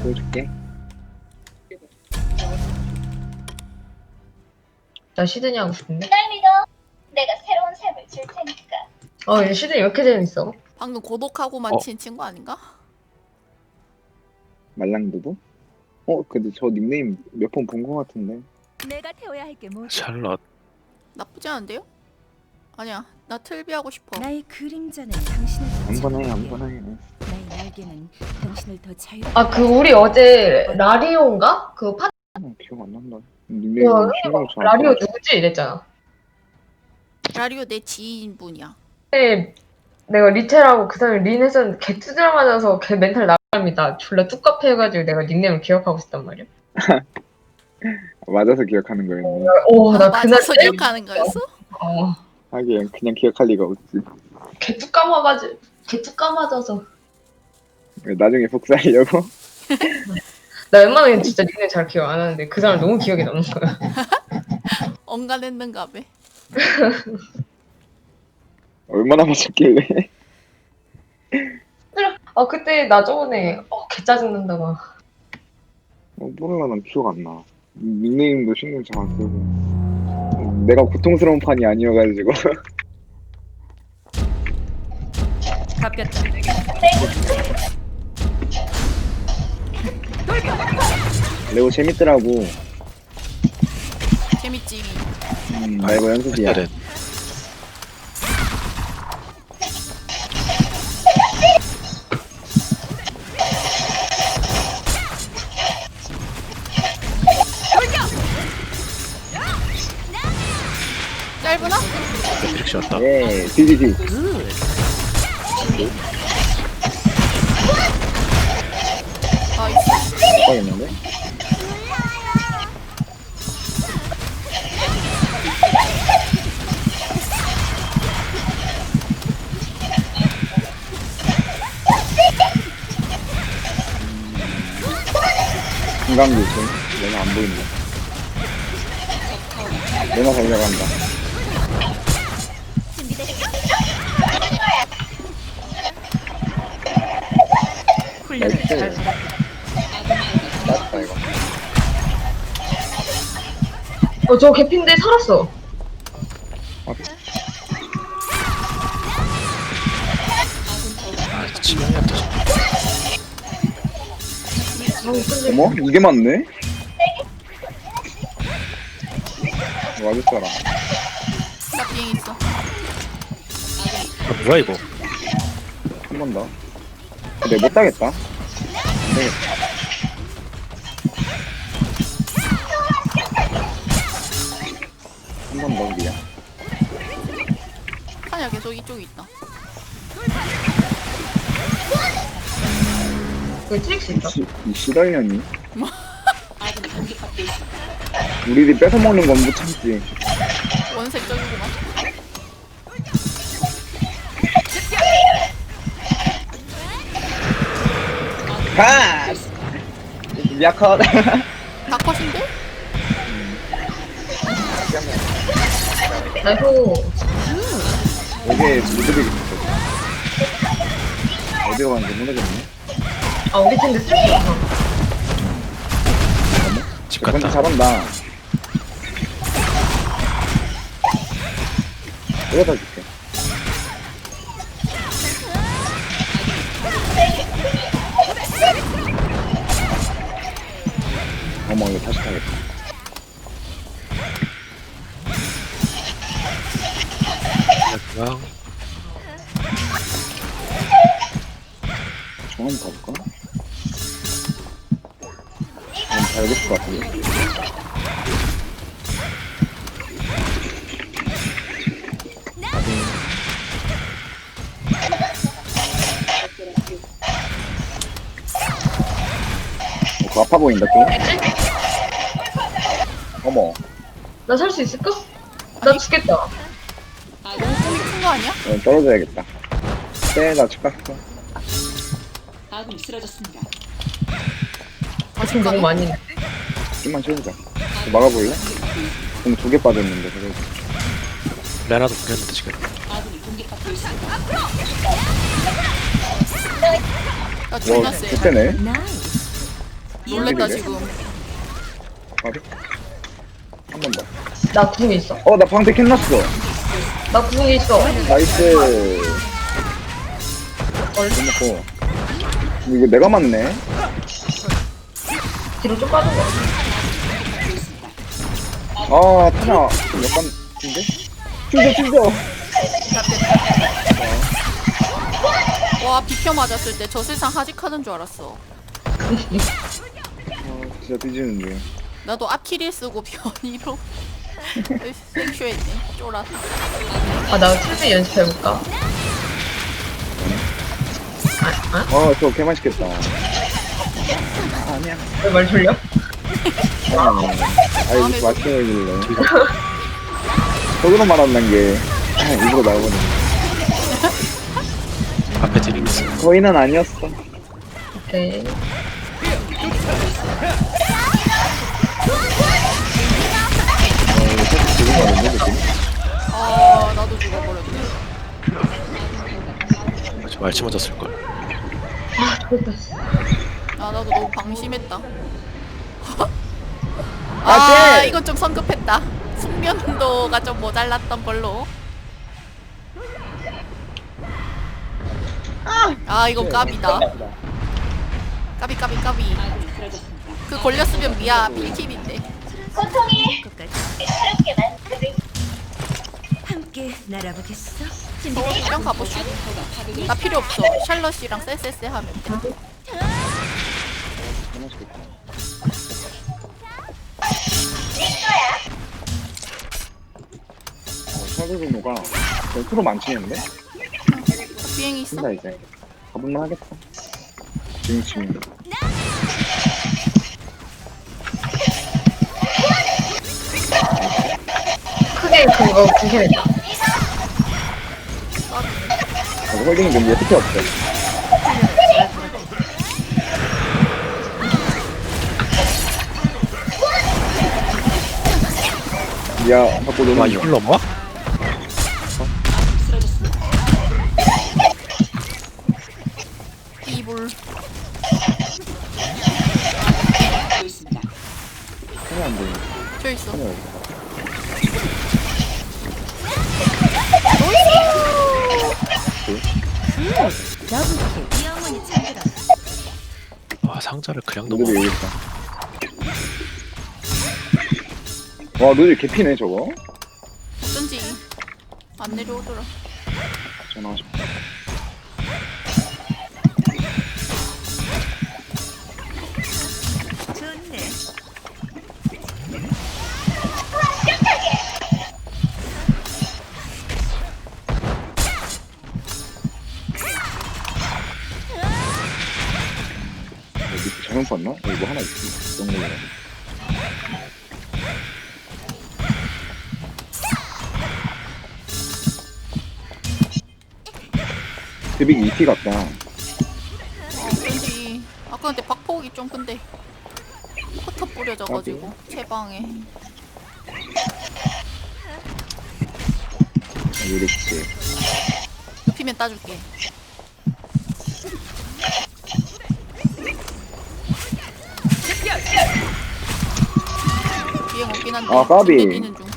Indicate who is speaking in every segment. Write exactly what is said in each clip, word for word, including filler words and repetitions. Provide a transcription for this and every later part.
Speaker 1: 보여줄게.
Speaker 2: 나 시드니 하고 싶은데?
Speaker 3: 날 믿어. 내가 새로운 삶을 줄 테니까.
Speaker 2: 어, 얘 시드니 왜 이렇게 재밌어?
Speaker 4: 방금 고독하고만
Speaker 1: 어.
Speaker 4: 친 친구 아닌가?
Speaker 1: 말랑두부? 어, 근데 저 닉네임 몇 번 본 것 같은데.
Speaker 5: 내가 태워야 할 게 뭐지?
Speaker 6: 샬럿.
Speaker 4: 나쁘지 않은데요? 아니야, 나 틀비 하고 싶어.
Speaker 5: 나의 그림자는 당신을 더
Speaker 1: 아무거나 해,
Speaker 5: 자유롭게,
Speaker 1: 아무거나 해.
Speaker 5: 나의 날개는 당신을 더 자유롭게.
Speaker 2: 아, 그 우리 어제 라리오인가? 그 파,
Speaker 1: 아, 기억 안 난다. 닉네임
Speaker 2: 그
Speaker 1: 신경 잘.
Speaker 2: 라리오 누구지? 이랬잖아.
Speaker 4: 라리오 내 지인분이야.
Speaker 2: 근데 내가 리체라고 그 사람이 린 했었는데 걔 투드라 맞아서 걔 멘탈 나갑니다. 졸라 뚜까패 해가지고 내가 닉네임을 기억하고 있단 말이야.
Speaker 1: 맞아서 기억하는 거였네.
Speaker 2: 오, 나
Speaker 4: 아,
Speaker 2: 그날
Speaker 4: 맞아서
Speaker 2: 때-
Speaker 4: 기억하는 거였어?
Speaker 2: 어,
Speaker 1: 하긴 그냥 기억할 리가 없지.
Speaker 2: 걔 뚜까 맞아가지고 걔 뚜까 맞아서
Speaker 1: 나중에 복사하려고.
Speaker 2: 나 웬만하면 진짜 닉네임 잘 기억 안 하는데 그 사람 너무 기억에 남는 거야.
Speaker 4: 언간했는가 봐.
Speaker 1: 얼마나 맞췄길래.
Speaker 2: 아, 그때 나 저번에 어, 개 짜증난다고.
Speaker 1: 어, 몰라, 난 기억 안 나. 닉네임도 신경 잘 안 쓰고. 내가 고통스러운 판이 아니어가지고.
Speaker 5: 바뀌었다.
Speaker 1: 레오 재밌더라고.
Speaker 4: 재밌지.
Speaker 1: 음, 말고 연습이야.
Speaker 6: 네.
Speaker 4: 짧으나?
Speaker 6: 이렇게 셨다
Speaker 1: 예, 디디디.
Speaker 4: 나이스.
Speaker 1: 빡했는데? 금강도 있어. 내가 안 보인다. 내가 달려간다. 나이스. 맞다, 이거.
Speaker 2: 어, 저 개핀데 살았어.
Speaker 6: 아, 치명이었다.
Speaker 2: 아, 근데
Speaker 1: 어머? 이게 맞네? 맞을 사람.
Speaker 4: 나 비행 있어.
Speaker 6: 아, 뭐야 이거?
Speaker 1: 한 번 더. 근데 못 따겠다. 안 되겠다. 한 번 더, 미야.
Speaker 4: 아니야, 계속 이쪽에 있다.
Speaker 2: 그 트릭스 있다.
Speaker 1: 시, 이 시달년이?
Speaker 4: 뭐?
Speaker 1: 우리들이 뺏어먹는 건 못 참지.
Speaker 4: 원색적이구만.
Speaker 1: 파스! 미야컷.
Speaker 4: 다 컷인데?
Speaker 2: 나이스.
Speaker 1: 여기에 무드빅이 있어. 어디로 가는지 모르겠네.
Speaker 2: 아, 우리 팀도 트릭스 있어.
Speaker 6: 집
Speaker 1: 건지
Speaker 6: 갔다.
Speaker 1: 잘한다. 이거 다 줄게. 어머, 이거 다시 타겠다.
Speaker 6: 그냥
Speaker 1: 중 한번 가볼까? 난 잘 됐을 것 같은데. 어, 그거 아파 보인다, 또. 어머,
Speaker 2: 나 살 수 있을까? 나 죽겠다.
Speaker 4: 큰거 아니야?
Speaker 1: 어, 떨어져야겠다. 쎄, 나 축갔어.
Speaker 5: 아군이 쓰러졌습니다.
Speaker 2: 아, 지금 너무 많이.
Speaker 1: 좀만 채우자. 막아볼래? 그럼 두 개 빠졌는데, 그래도.
Speaker 6: 레나도 보냈는데 지금.
Speaker 5: 아군이 공격받고 있습니다.
Speaker 4: 나 존나
Speaker 1: 와,
Speaker 4: 세.
Speaker 1: 개쎄네.
Speaker 5: 나이스.
Speaker 4: 놀랬다
Speaker 1: 이게?
Speaker 4: 지금.
Speaker 1: 어디? 한 번 더.
Speaker 2: 나 구멍이 있어.
Speaker 1: 어, 나 방패 캔났어.
Speaker 2: 나 구멍이 있어.
Speaker 1: 나이스.
Speaker 2: 얼
Speaker 1: 먹고. 이거 내가 맞네.
Speaker 2: 뒤로 좀 빠진 거.
Speaker 1: 아, 타냐. 좀 약간, 인데? 튕겨, 튕겨.
Speaker 4: 와 비켜 맞았을 때 저 세상 하직하는 줄 알았어.
Speaker 1: 아, 진짜 뒤지는데.
Speaker 4: 나도 아키릴 쓰고 변이로 생쇼했네. 쫄았어.
Speaker 2: 아, 나 틀비 연습해볼까? 아, 아?
Speaker 1: 어, 저거 개맛있겠다. 아니야.
Speaker 2: 왜 말 돌려?
Speaker 1: 아, 아이, 맛있게 해길래. 속으로 말한다는 게, 입으로 나오거든.
Speaker 6: 앞에 드림 있어.
Speaker 1: 거의는 아니었어.
Speaker 2: 오케이.
Speaker 4: 아 나도 죽어버렸네.
Speaker 6: 저 말치 맞았을 걸.
Speaker 2: 아, 좋겠다.
Speaker 4: 아 나도 너무 방심했다.
Speaker 1: 아,
Speaker 4: 아
Speaker 1: 쟤!
Speaker 4: 이건 좀 성급했다. 숙면도가 좀 모자랐던 걸로. 아 이건 까비다. 까비 까비 까비. 그 걸렸으면 미야 필킬인데.
Speaker 3: 고통이 새롭게 만드는
Speaker 5: 함께 날아보겠어.
Speaker 4: 서울이랑 가보슈. 나 필요 없어. 샬럿이랑 쎄쎄쎄 하면 돼.
Speaker 1: 개맛있겠다. 어, 사드로노가 프로 많치는데?
Speaker 4: 비행이 있어?
Speaker 1: 쓴다, 이제. 가볼만 하겠다. 지금 지금.
Speaker 2: 크게 그거 구경했다.
Speaker 1: 어, 홀딩 문제 특히 없어. 야, 자꾸 너무
Speaker 6: 아 이걸 넘어?
Speaker 4: 이불.
Speaker 1: 하면 안 돼.
Speaker 4: 저 있어.
Speaker 1: 하면
Speaker 5: 영원히 잠들어.
Speaker 6: 와 상자를 그냥
Speaker 1: 노들이
Speaker 6: 넘어.
Speaker 1: 여기 있다. 와, 노들 개피네, 저거.
Speaker 4: 어쩐지 안 내려오더라.
Speaker 1: 전화 싶다.
Speaker 5: 좋네.
Speaker 1: 밑에 잘못 봤나? 여기 뭐 하나 있어. 이런 거. 데빅 이티 같다.
Speaker 4: 아, 어쩐지 아까 근데 박폭이 좀 근데 포터 뿌려져가지고 채방에.
Speaker 1: 이렇게.
Speaker 4: 눕히면 따줄게. 비행 없긴 한데
Speaker 1: 아, 까비.
Speaker 4: 내기는 중.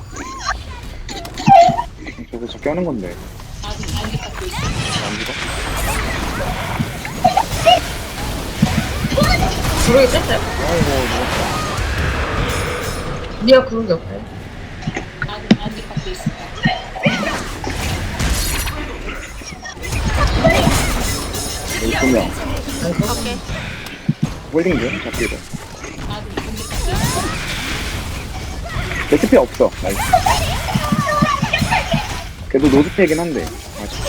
Speaker 1: 저거 저렇게 하는 건데. 안 죽어?
Speaker 2: 구르기 뺐어요?
Speaker 1: 아이고, 뭐.
Speaker 2: 니가 구르기 없어요?
Speaker 1: 여기 두 명.
Speaker 4: 오케이.
Speaker 1: 홀딩 중, 잡기도. 레시피 없어. 나이스. 그래도 노드패긴 한데. 아직.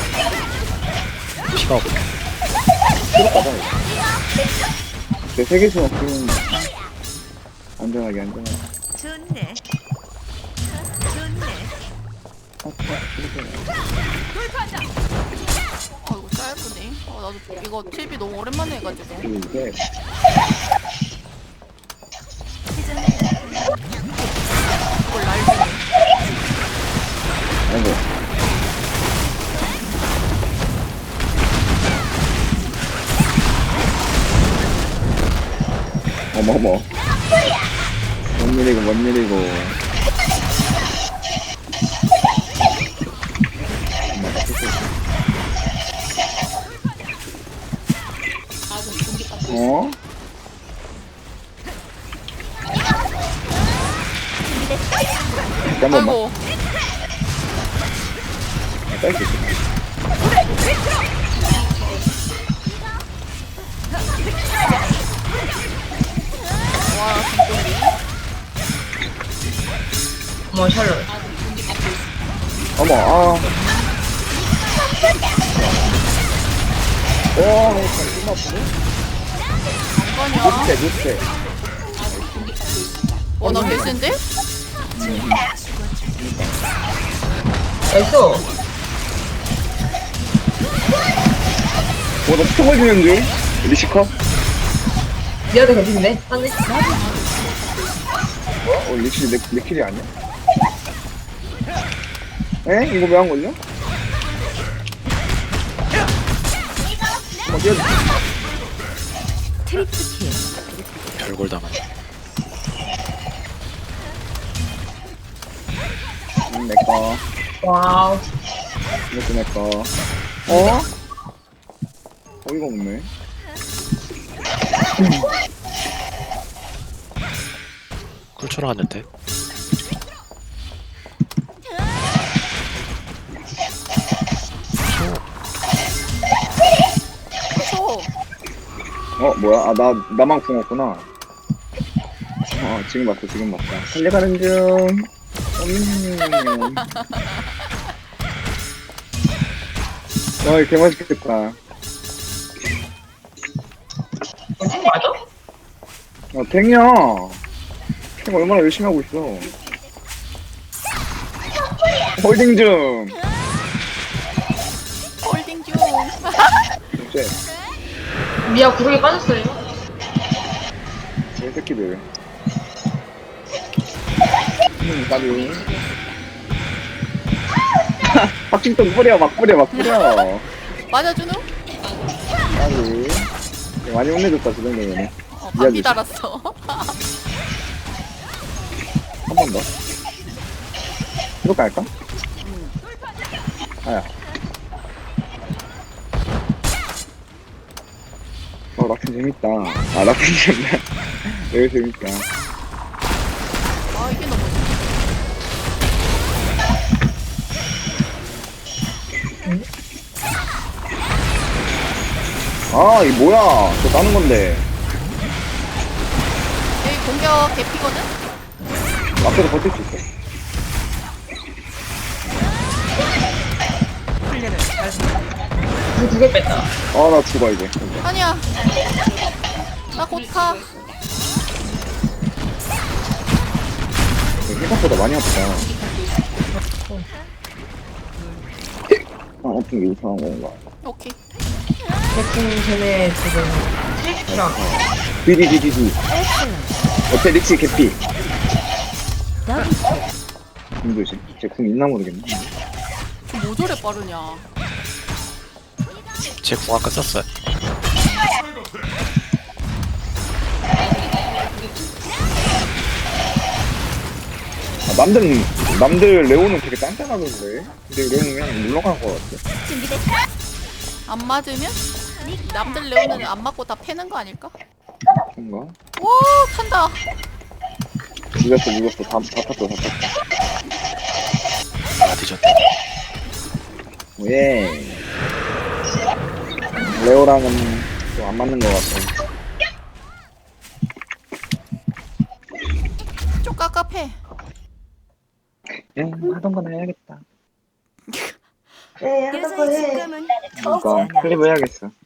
Speaker 6: 피가 없어.
Speaker 1: 필요 받아, 이거. 내 세계에서 그런. 안전하게, 안전하게.
Speaker 5: 좋네. 좋네.
Speaker 4: 아 이거 짧으네. 아 나도 이거 팁이 너무 오랜만에 해가지고.
Speaker 1: 그리고 이게.
Speaker 4: 이걸 날리네.
Speaker 1: 아이고. 어머머. 뭔 일이고, 뭔 일이고. 엄마, 나 됐어. 어? 잠깐만.
Speaker 4: 아이고.
Speaker 1: 딸수 있어.
Speaker 4: 와, 김동리.
Speaker 2: 어머 샬롯.
Speaker 1: 어머, 아. 와, 잘 끝났어.
Speaker 4: 잠깐이야.
Speaker 1: 못해, 못해.
Speaker 4: 와, 나 개센데?
Speaker 2: 나이스.
Speaker 1: 와, 나 스톱 걸리는 줄? 리시커?
Speaker 2: 미아도 괜찮네. 한대.
Speaker 1: 어, 리시 내, 내 킬이 아니야? 에? 이거 왜 안 걸려? 어, 뛰어.
Speaker 5: 트리플 킬.
Speaker 6: 별걸 당하네.
Speaker 1: 음, 내꺼.
Speaker 2: 와우.
Speaker 1: 이것도 내꺼. 어? 어이가 없네.
Speaker 6: 쿨처럼 하는데.
Speaker 4: 초.
Speaker 1: 어, 뭐야? 아, 나, 나만 궁었구나. 어, 지금 봤어, 지금 봤어. 달려가는 중. 음. 와, 이거 개맛있겠다.
Speaker 2: 이거 맞아?
Speaker 1: 어, 탱이야. 탱 얼마나 열심히 하고 있어. 홀딩 중.
Speaker 4: 홀딩 중.
Speaker 1: 이제,
Speaker 2: 미아 구르기 빠졌어요.
Speaker 1: 이 새끼들. 음, 까비. 박진동 뿌려, 막 뿌려, 막 뿌려.
Speaker 4: 맞아주누?
Speaker 1: 까비. 많이 혼내줬다, 저 정도면.
Speaker 4: 어, 반비 달았어.
Speaker 1: 한 번 더. 이거 갈까? 아야. 어, 락튼 재밌다. 아, 락튼 재밌다. 여기 재밌다.
Speaker 4: 아, 이게 너무.
Speaker 1: 아, 이 뭐야. 저 따는 건데.
Speaker 4: 여기 공격 개피거든?
Speaker 1: 앞에서 버틸 수 있어.
Speaker 2: 두개 뺐다.
Speaker 1: 아, 나 죽어, 이제.
Speaker 4: 아니야. 나 곧 가.
Speaker 1: 생각보다 많이 아프다. 아, 아픈 게 이상한 건가.
Speaker 4: 오케이.
Speaker 2: 대충 쟤네 지금 트릭이랑
Speaker 1: 디디디디디. 어때, 리치 개피.
Speaker 5: 더블
Speaker 1: 힘들지. 제궁 있나 모르겠네.
Speaker 4: 뭐 저래 빠르냐.
Speaker 6: 제 궁 아까 썼어요.
Speaker 1: 아, 남들, 남들 레오는 되게 딴딴하던데. 근데 레오는 그냥 물러간 것 같아.
Speaker 4: 안 맞으면? 남들 레오는 안 맞고 다 패는 거 아닐까?
Speaker 1: 그런가?
Speaker 4: 와, 탄다.
Speaker 1: 늦었어, 늦었어. 다, 다 탔어, 다 탔어.
Speaker 6: 아, 뒤졌다.
Speaker 1: 예. 레오랑은 좀 안 맞는 것 같아.
Speaker 4: 좀 깝깝해.
Speaker 1: 예, 하던 거나 해야겠다.
Speaker 2: 네
Speaker 5: 여자의 직감은
Speaker 1: 그러니까, 클리브 해야겠어.